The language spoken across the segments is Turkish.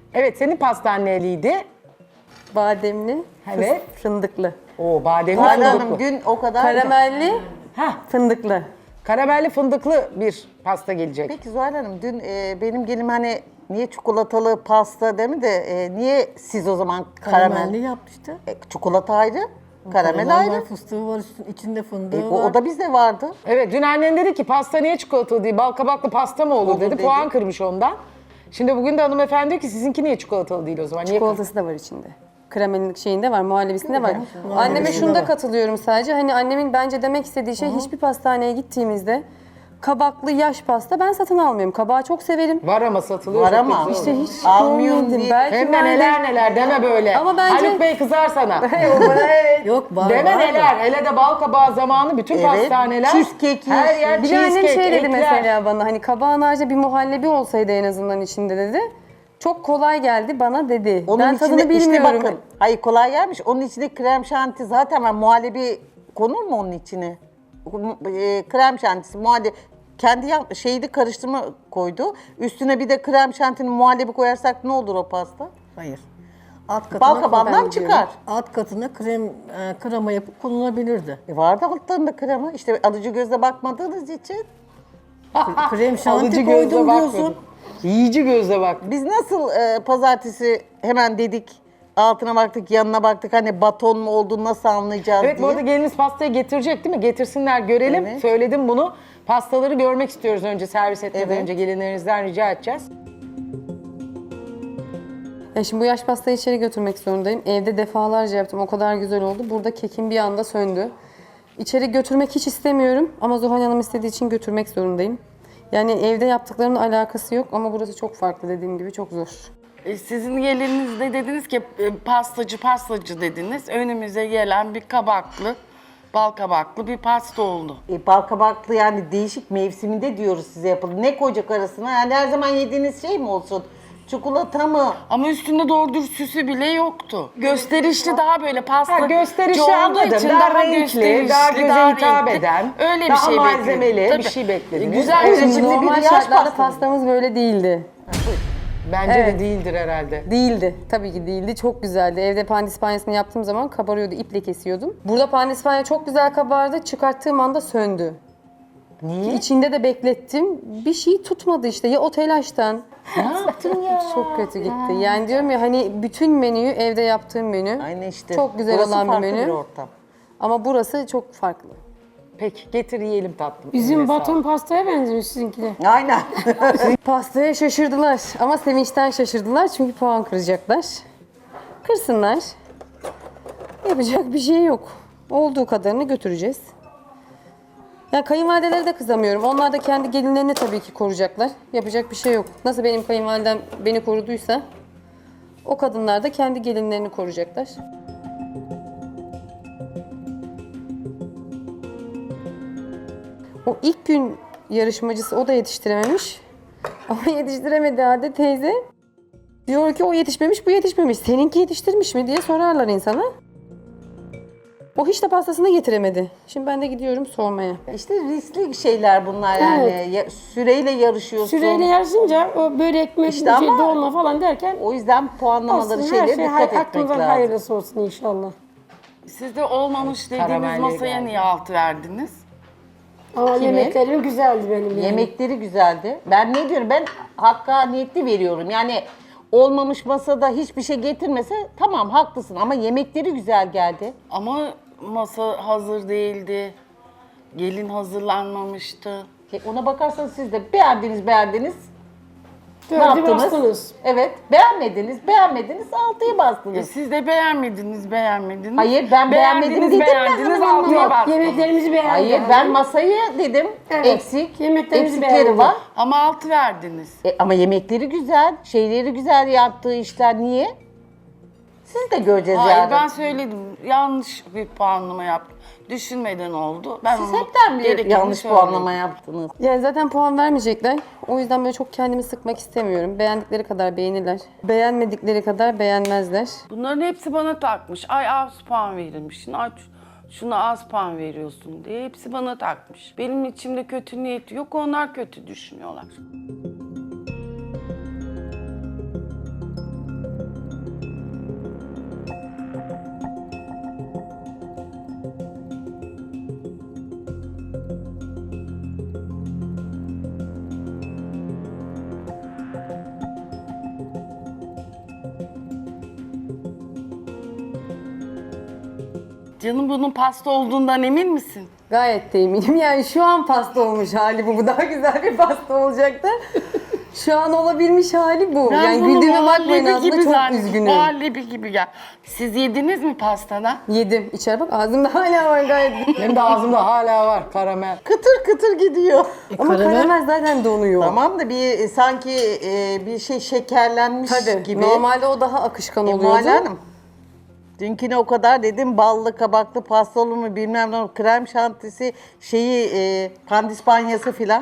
Evet, senin pastan neliydi? Bademli, Evet. fındıklı. Oo, bademli Zuhal Hanım fındıklı. dün o kadar... Karamelli, Heh, fındıklı. karamelli fındıklı bir pasta gelecek. Peki Zuhal Hanım dün benim gelim hani niye çikolatalı pasta değil mi de niye siz o zaman Karamelli karamel? yapmıştı. Çikolata ayrı, karamel ayrı. Var, fıstığı var, içinde fındığı O, var. o da bizde vardı. Evet, dün annen dedi ki pasta niye çikolatalı değil, bal kabaklı pasta mı olur Olur dedi. dedi. Puan kırmış ondan. Şimdi bugün de hanımefendi diyor ki sizinki niye çikolatalı değil o zaman? Niye? Çikolatası da var içinde. Kremelin şeyinde var, muhallebisinde var. Anneme şunda katılıyorum sadece. Hani annemin bence demek istediği şey hiçbir pastaneye gittiğimizde kabaklı yaş pasta ben satın almıyorum. Kabağı çok severim. Var ama satılıyor. Var çok ama. güzel İşte oluyor. hiç Almıyorum görmedim. diye. Belki Hem de vardır. neler neler deme böyle. Ama bence- Haluk Bey kızar sana. Yok var Deme var. neler. Hele de bal kabağı zamanı bütün Evet, pastaneler. cheesecake her yiyorsun. yer Bir de annem cheesecake, şey dedi ekler. mesela bana hani kabağın haricinde bir muhallebi olsaydı en azından içinde dedi. Çok kolay geldi bana dedi. Onun ben içine tadını işte bilmiyorum. bakın. Hayır kolay gelmiş. Onun içine krem şanti zaten var. Muhallebi konur mu onun içine? Krem şantisi, muhallebi. Kendi şeydi karıştırma koydu. Üstüne bir de krem şantinin muhallebi koyarsak ne olur o pasta? Hayır. Alt katına, Bal kabağından ben çıkar. alt katına krema yapıp kullanılabilirdi. Vardı altlarında krema. İşte alıcı gözle bakmadığınız için. Krem Alıcı şanti gözle koydum bakmadım. diyorsun. Yiyici gözle bak. Biz nasıl pazartesi hemen dedik, altına baktık, yanına baktık. Hani baton mu olduğunu nasıl anlayacağız Evet, bu diye. arada geliniz pastayı getirecek değil mi? Getirsinler görelim. Evet. Söyledim bunu. Pastaları görmek istiyoruz önce, servis etmeden Evet. önce gelinlerinizden rica edeceğiz. Ya şimdi bu yaş pastayı içeri götürmek zorundayım. Evde defalarca yaptım. O kadar güzel oldu. Burada kekim bir anda söndü. İçeri götürmek hiç istemiyorum ama Zuhal Hanım istediği için götürmek zorundayım. Yani evde yaptıklarının alakası yok ama burası çok farklı dediğim gibi çok zor. Sizin gelinizde dediniz ki pastacı dediniz. Önümüze gelen bir kabaklı, bal kabaklı bir pasta oldu. Bal kabaklı yani değişik mevsiminde diyoruz size yapalım. Ne koyacak arasına? Yani her zaman yediğiniz şey mi olsun? Çikolata mı? Ama üstünde doğru dürüst süsü bile yoktu. Gösterişli daha böyle pasta. Ha, gösterişli olduğu anladım. için Daha renkli, gösterişli, daha göze hitap renkli. eden, Öyle bir daha şey bekledim. malzemeli Tabii. bir şey beklediniz. Güzel Evet, bir şimdi Normal bir yaş şartlarda pastası. pastamız böyle değildi. Bence Evet. de değildir herhalde. Değildi. Tabii ki değildi. Çok güzeldi. Evde pandispanyasını yaptığım zaman kabarıyordu. İple kesiyordum. Burada pandispanya çok güzel kabardı. Çıkarttığım anda söndü. Niye? İçinde de beklettim. Bir şey tutmadı işte. Ya o telaştan. Ne yaptın ya? Çok kötü gitti. Yani diyorum ya hani bütün menüyü evde yaptığım menü. Aynı işte. Çok güzel Burası olan bir farklı menü. ortam. Ama burası çok farklı. Peki getir yiyelim tatlım. Bizim Eline baton pastaya benziyor sizinki de. Aynen. Pastaya şaşırdılar ama sevinçten şaşırdılar çünkü puan kıracaklar. Kırsınlar. Yapacak bir şey yok. Olduğu kadarını götüreceğiz. Yani kayınvalidelere de kızamıyorum. Onlar da kendi gelinlerini tabii ki koruyacaklar. Yapacak bir şey yok. Nasıl benim kayınvalidem beni koruduysa o kadınlar da kendi gelinlerini koruyacaklar. O ilk gün yarışmacısı o da yetiştirememiş. Ama yetiştiremedi Ade teyze. Diyor ki o yetişmemiş, bu yetişmemiş. Seninki yetiştirmiş mi diye sorarlar insana. O hiç de pastasını getiremedi. Şimdi ben de gidiyorum sormaya. İşte riskli şeyler bunlar yani. Süreyle yarışıyorsun. Süreyle yarışınca o börek, İşte şey, ama- dolma falan derken O yüzden puanlamaları olsun, her şeylere şey dikkat etmek aklımızdan lazım. hayırlısı olsun inşallah. Siz de olmamış dediğiniz Karamelliye masaya geldi. niye altı verdiniz? Ama yemeklerim güzeldi benim yani. Yemekleri güzeldi. Ben ne diyorum? Ben hakkaniyetli veriyorum. Yani olmamış masada hiçbir şey getirmese tamam haklısın ama yemekleri güzel geldi. Ama masa hazır değildi. Gelin hazırlanmamıştı. Ona bakarsanız siz de beğendiniz. Ne Dördü yaptınız? bastınız. Evet, beğenmediniz, altıya bastınız. Siz de beğenmediniz. Hayır, ben beğenmedim dedim mi beğendiniz, hanım? altıya Yok, bastınız. yemeklerimizi beğendim. Hayır, ben masayı dedim, Evet, eksik, yemeklerimizi eksikleri beğendim. var. Ama altı verdiniz. Ama yemekleri güzel, şeyleri güzel yaptığı işler niye? Siz de göreceğiz Hayır yarın. ben söyledim. Yanlış bir puanlama yaptım. Düşünmeden oldu. Ben Siz onu hepten bir gerekeni yanlış söyledim. puanlama yaptınız. Yani zaten puan vermeyecekler. O yüzden böyle çok kendimi sıkmak istemiyorum. Beğendikleri kadar beğenirler. Beğenmedikleri kadar beğenmezler. Bunların hepsi bana takmış. Ay az puan verilmişsin. Ay şuna az puan veriyorsun diye hepsi bana takmış. Benim içimde kötü niyeti yok. Onlar kötü düşünüyorlar. Canım bunun pasta olduğundan emin misin? Gayet de eminim. Yani şu an pasta olmuş hali bu. Bu daha güzel bir pasta olacaktı. Şu an olabilmiş hali bu. Ben Yani bunu güldüğüme bakmayın muhallebi aslında gibi çok zannettim. üzgünüm. Muhallebi gibi gel. Siz yediniz mi pastadan? Yedim. İçeri bak ağzımda hala var gayet. Benim de ağzımda hala var karamel. Kıtır kıtır gidiyor. Ama karamel zaten donuyor. Tamam da bir sanki bir şey şekerlenmiş Tabii. gibi. Normalde o daha akışkan oluyordu. Muhalle Hanım. Dünküne o kadar dedim ballı kabaklı pasta olur mu bilmem ne olur. Krem şantisi pandispanyası filan.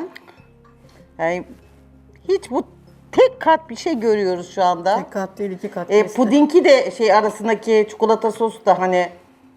Yani hiç bu tek kat bir şey görüyoruz şu anda. Tek kat değil, 2 kat. kesti. Pudingi de arasındaki çikolata sosu da hani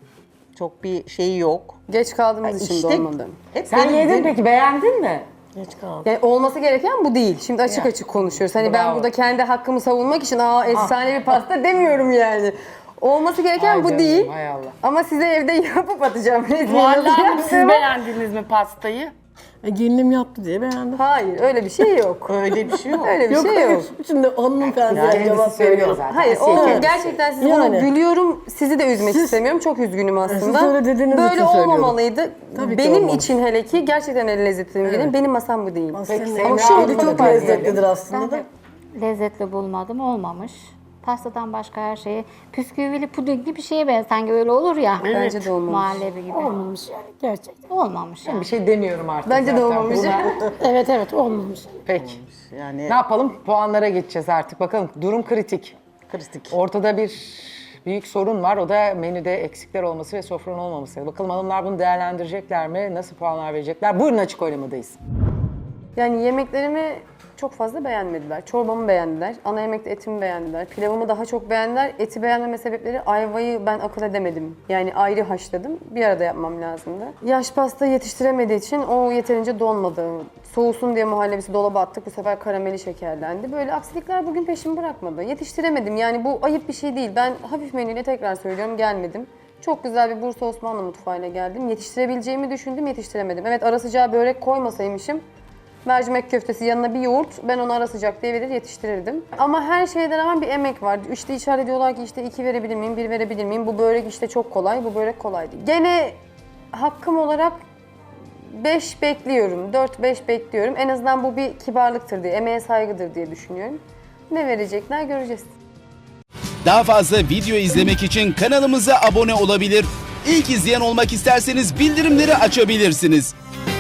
çok bir şeyi yok. Geç kaldığımız için İşte de olmadı. hep Sen benim yedin dediğim- peki beğendin mi? Geç kaldı. Yani olması gereken bu değil. Şimdi açık açık konuşuyoruz. Hani ben Bravo. burada kendi hakkımı savunmak için efsane bir pasta demiyorum yani. Olması gereken Ay bu canım, değil. hay Allah. Ama size evde yapıp atacağım. Resmini Muhalle nasıl Hanım siz yaptığımı. beğendiniz mi pastayı? Gelinim yaptı diye beğendim. Hayır öyle bir şey yok. Öyle bir şey yok. Öyle bir Yok şey hayır. yok. Şimdi onun felsefesi Kendisi cevap söylüyor veriyorum. zaten. Hayır Asiye o kendisi. gerçekten size Yani. bunu gülüyorum. Sizi de üzmek istemiyorum. Çok üzgünüm aslında. Siz öyle dediğiniz Böyle için söylüyorum. olmamalıydı. Tabii ki Benim olmamış. için hele ki gerçekten el lezzetini bilin. Benim masam bu değil. Aslında Peki, ama Semra şeyi Hanım'a çok da lezzetlidir diyelim. aslında da. Lezzetli bulmadım, olmamış. Pastadan başka her şeyi püsküvili pudingli bir şeye benzer. Sanki öyle olur ya. Bence de olmamış. Muhallebi gibi. Olmamış yani gerçekten. Olmamış yani. Bir şey demiyorum artık. Bence de zaten. olmamış. Buna- Evet olmamış. Peki. Yani Ne yapalım? Puanlara geçeceğiz artık. Bakalım durum kritik. kritik. Ortada bir büyük sorun var. O da menüde eksikler olması ve sofranın olmaması. Bakalım hanımlar bunu değerlendirecekler mi? Nasıl puanlar verecekler? Buyurun açık oylamadayız. Yani yemeklerimi çok fazla beğenmediler. Çorbamı beğendiler. Ana yemekte etimi beğendiler. Pilavımı daha çok beğendiler. Eti beğenmeme sebepleri ayvayı ben akıl edemedim. Yani ayrı haşladım. Bir arada yapmam lazımdı. Yaş pasta yetiştiremediği için o yeterince donmadı. Soğusun diye muhallebisi dolaba attık. Bu sefer karameli şekerlendi. Böyle aksilikler bugün peşimi bırakmadı. Yetiştiremedim. Yani bu ayıp bir şey değil. Ben hafif menüyle tekrar söylüyorum gelmedim. Çok güzel bir Bursa Osmanlı mutfağıyla geldim. Yetiştirebileceğimi düşündüm, yetiştiremedim. Evet ara sıcağı börek koymasaymışım. Mercimek köftesi yanına bir yoğurt, ben onu ara sıcak diye verir yetiştirirdim. Ama her şeyden rağmen bir emek var. İşte işaret ediyorlar ki işte 2 verebilir miyim, 1 verebilir miyim? Bu börek işte çok kolay, bu börek kolay değil. Gene hakkım olarak 5 bekliyorum, 4-5 bekliyorum. En azından bu bir kibarlıktır diye, emeğe saygıdır diye düşünüyorum. Ne verecekler göreceğiz. Daha fazla video izlemek için kanalımıza abone olabilir. İlk izleyen olmak isterseniz bildirimleri açabilirsiniz.